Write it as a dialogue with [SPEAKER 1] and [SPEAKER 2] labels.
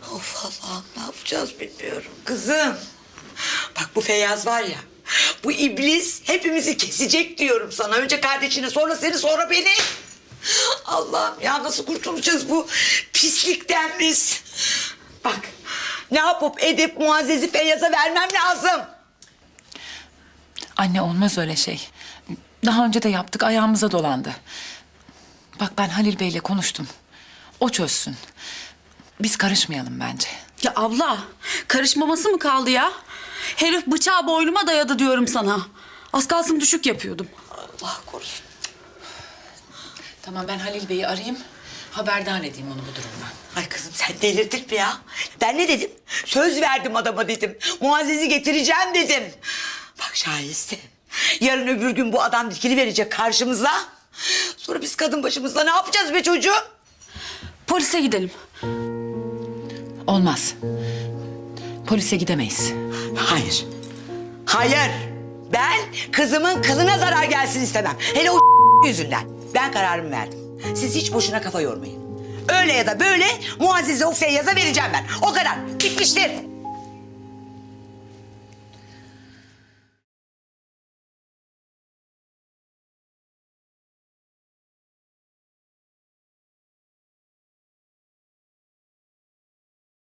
[SPEAKER 1] Of Allah'ım, ne yapacağız bilmiyorum. Kızım, bak bu Feyyaz var ya, bu iblis hepimizi kesecek diyorum sana. Önce kardeşini, sonra seni, sonra beni. Allah'ım ya, nasıl kurtulacağız bu pislikten biz? Bak, ne yapıp edip Muazzez'i Feyyaz'a vermem lazım.
[SPEAKER 2] Anne, olmaz öyle şey. Daha önce de yaptık, ayağımıza dolandı. Bak, ben Halil Bey'le konuştum. O çözsün. Biz karışmayalım bence.
[SPEAKER 3] Ya abla, karışmaması mı kaldı ya? Herif bıçağı boynuma dayadı diyorum sana. Az kalsın düşük yapıyordum.
[SPEAKER 1] Allah korusun.
[SPEAKER 2] Tamam, ben Halil Bey'i arayayım. Haberdar edeyim onu bu durumdan.
[SPEAKER 1] Ay kızım, sen delirdin mi ya? Ben ne dedim? Söz verdim adama dedim. Muazzez'i getireceğim dedim. Bak Şahiste, yarın öbür gün bu adam dikili verecek karşımıza. Sonra biz kadın başımızda ne yapacağız be çocuğum?
[SPEAKER 3] Polise gidelim.
[SPEAKER 2] Olmaz. Polise gidemeyiz.
[SPEAKER 1] Hayır. Hayır. Ben kızımın kılına zarar gelsin istemem. Hele o yüzünden. Ben kararımı verdim. Siz hiç boşuna kafa yormayın. Öyle ya da böyle Muazzez'i o Feyyaz'a vereceğim ben. O kadar. Bitmiştir.